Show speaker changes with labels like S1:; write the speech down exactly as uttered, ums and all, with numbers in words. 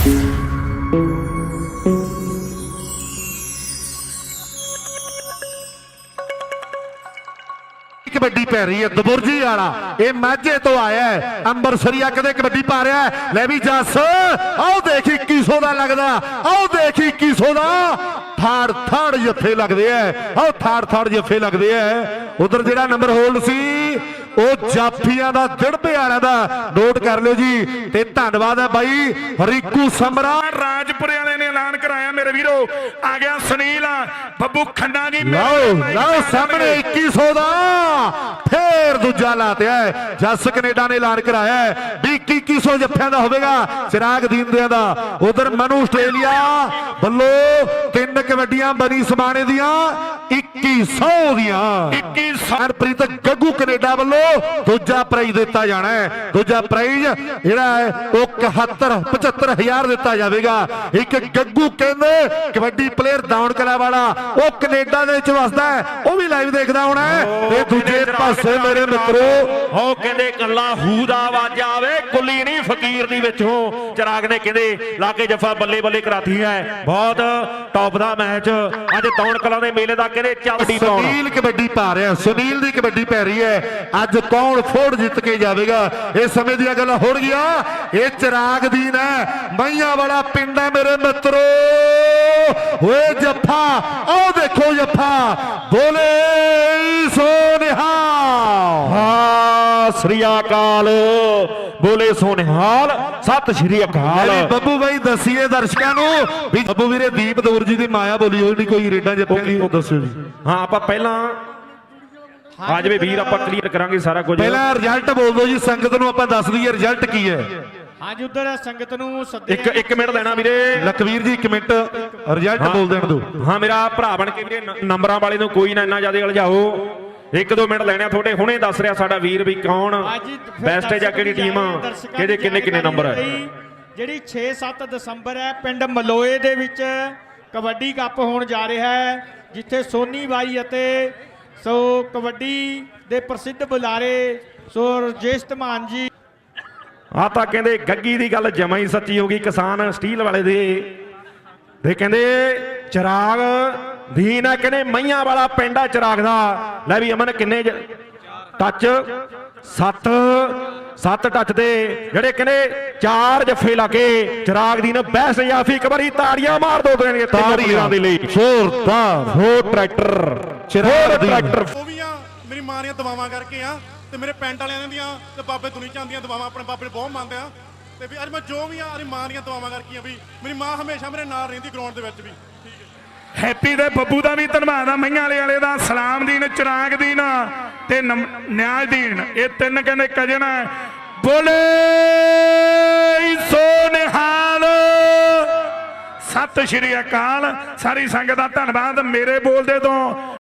S1: कबड्डी पै रही है दबुरजी वाला ये माझे तो आया है अंबरसरिया कदे कबड्डी पा रहा है ले भी जस आओ देख इक्की सौ का लगता आओ देख इक्की सौ का थाड़ थाड़ जफे लगते हैं आओ थाड़ थाड़ जफे लगते हैं उधर जो नंबर होल्ड सी जाफिया का दिड़बे वाले का नोट कर लो जी ते धन्यवाद है भाई रिकू समरा
S2: राजपुरे वाले ने ऐलान कराया मेरे वीरो आ गया सुनील बब्बू खन्ना जी
S1: लाओ लाओ सामने इक्की सौ का फिर दूजा लाते है जस कनेडा ने ऐलान कराया है भी इक्की इक्की सौ जफिया का होगा चिराग दीनदिया का उधर मनु आस्ट्रेलिया बल्लो तीन कबड्डियां बनी समाने दिया इक्की सौ दिया
S2: इक्की सौ
S1: हरप्रीत गग्गू कनेडा वालों दूजा प्राइज दिता जाना है दूजा प्राइज जिहड़ा है वो इकहत्तर पचहत्तर हजार दिता जाएगा एक गग्गू कहंदे कबड्डी प्लेयर दाउन कला वाला वो कनेडा दे विच वसदा है वो भी लाइव देखदा होना है ते दूजे पासे मेरे मित्रो
S2: हो कहंदे कल्ला हू दा आवाज आवे कुली नहीं फकीर दी विचों चिराग ने कहंदे लाके जफा बल्ले बल्ले कराती है बहुत टॉप दा मैच अज दौड़ कला दे मेले दा कहंदे चलदी दौड़
S1: सुनील कबड्डी पा रहा है सुनील दी कबड्डी पै रही है अज कौन फोड़ जित के जाएगा इस समय दी गल हो गया ये चिराग दीन है मैया वाला पिंड है मेरे मित्रों ओए जफा आओ देखो जफा बोले सो निहाल
S2: श्री अकाल बोले सोनिहाल सत श्री अकाल
S1: बब्बू भाई दसिए दर्शकों को भी बब्बू वीरे दीप दौर जी की माया बोली हो नहीं कोई रेडा जफे की दसो जी
S2: हाँ आप पहला आज भी वीर ਆਪਾਂ ਕਲੀਅਰ ਕਰਾਂਗੇ ਸਾਰਾ ਕੁਝ
S1: ਪਹਿਲਾਂ ਰਿਜ਼ਲਟ ਬੋਲ ਦਿਓ ਜੀ ਸੰਗਤ ਨੂੰ ਆਪਾਂ ਦੱਸ ਦਈਏ ਰਿਜ਼ਲਟ ਕੀ ਹੈ
S3: ਹਾਂਜੀ ਉਧਰ ਸੰਗਤ ਨੂੰ
S2: ਇੱਕ ਇੱਕ ਮਿੰਟ ਲੈਣਾ ਵੀਰੇ
S1: ਲਖਵੀਰ ਜੀ ਇੱਕ ਮਿੰਟ ਰਿਜ਼ਲਟ ਬੋਲ ਦੇਣ ਦਿਓ
S2: ਹਾਂ ਮੇਰਾ ਭਰਾ ਬਣ ਕੇ ਵੀਰੇ ਨੰਬਰਾਂ ਵਾਲੇ ਨੂੰ ਕੋਈ ਨਾ ਇੰਨਾ ਜ਼ਿਆਦਾ ਉਲਝਾਓ ਇੱਕ ਦੋ ਮਿੰਟ ਲੈਣੇ ਤੁਹਾਡੇ ਹੁਣੇ ਦੱਸ ਰਿਹਾ ਸਾਡਾ ਵੀਰ ਵੀ ਕੌਣ ਬੈਸਟ ਹੈ ਜਾਂ ਕਿਹੜੀ ਟੀਮ ਕਿਹਦੇ ਕਿੰਨੇ ਕਿੰਨੇ ਨੰਬਰ ਹੈ
S3: ਜਿਹੜੀ ਛੇ ਸੱਤ ਦਸੰਬਰ ਹੈ ਪਿੰਡ ਮਲੋਏ ਦੇ ਵਿੱਚ ਕਬੱਡੀ ਕੱਪ ਹੋਣ ਜਾ ਰਿਹਾ ਹੈ ਜਿੱਥੇ ਸੋਨੀ ਬਾਈ ਅਤੇ ਸੋ ਕਬੱਡੀ ਦੇ ਪ੍ਰਸਿੱਧ ਬੁਲਾਰੇ ਸੋ ਰਜੇਸ਼ ਧਮਾਨ ਜੀ
S2: ਆ ਤਾਂ ਕਹਿੰਦੇ ਗੱਗੀ ਦੀ ਗੱਲ ਜਮਾ ਹੀ ਸੱਚੀ ਹੋ ਗਈ ਕਿਸਾਨ ਸਟੀਲ ਵਾਲੇ ਦੇ ਤੇ ਕਹਿੰਦੇ ਚਿਰਾਗ ਦੀਨ ਆ ਕਹਿੰਦੇ ਮਈਆਂ ਵਾਲਾ ਪਿੰਡਾ ਚਿਰਾਗ ਦਾ ਲੈ ਵੀ ਅਮਨ ਕਿੰਨੇ ਟੱਚ ਸੱਤ ਸੱਤ ਟੱਚ ਦੇ ਜਿਹੜੇ ਕਹਿੰਦੇ ਚਾਰ ਜੱਫੇ ਲਾ ਕੇ ਚਿਰਾਗ ਦੀ ਨੇ ਬੈਸਟ ਜਾਫੀ ਇੱਕ ਵਾਰੀ ਤਾੜੀਆਂ ਮਾਰ ਦੋ ਦੇਣਗੇ ਤਾੜੀਆਂ ਦੇ ਲਈ
S1: ਜ਼ੋਰਦਾਰ
S2: ਹੋ ਟਰੈਕਟਰ ਚਿਰਾਗ ਟਰੈਕਟਰ
S4: ਉਹ ਵੀ ਆ ਮੇਰੀ ਮਾਂ ਦੀਆਂ ਦਵਾਵਾਂ ਕਰਕੇ ਆ ਤੇ ਮੇਰੇ ਪਿੰਡ ਵਾਲਿਆਂ ਦੀਆਂ ਤੇ ਬਾਬੇ ਦੁਨੀ ਚਾਂਦੀਆਂ ਦਵਾਵਾਂ ਆਪਣੇ ਬਾਬੇ ਨੂੰ ਬਹੁਤ ਮੰਨਦੇ ਆ ਤੇ ਵੀ ਅੱਜ ਮੈਂ ਜੋ ਵੀ ਆ ਮੇਰੀ ਮਾਂ ਦੀਆਂ ਦਵਾਵਾਂ ਕਰਕੇ ਆ ਵੀ ਮੇਰੀ ਮਾਂ ਹਮੇਸ਼ਾ ਮੇਰੇ ਨਾਲ ਰਹਿੰਦੀ ਗਰਾਊਂਡ ਦੇ ਵਿੱਚ ਵੀ ਠੀਕ ਹੈ
S2: ਹੈਪੀ ਦੇ ਬੱਬੂ ਦਾ ਵੀ ਧੰਨਵਾਦ ਆ ਮਈਆਂ ਵਾਲੇ ਵਾਲੇ ਦਾ ਸਲਾਮ ਦੀਨ ਚਿਰਾਗ ਦੀਨ ਤੇ ਨਿਆਜ਼ ਦੀਨ ਇਹ ਤਿੰਨ ਕਹਿੰਦੇ ਕਜਨ ਬੋਲੇ ਸੋ ਨਿਹਾਲ ਸਤਿ ਸ਼੍ਰੀ ਅਕਾਲ ਸਾਰੀ ਸੰਗਤ ਦਾ ਧੰਨਵਾਦ ਮੇਰੇ ਬੋਲਦੇ ਤੋਂ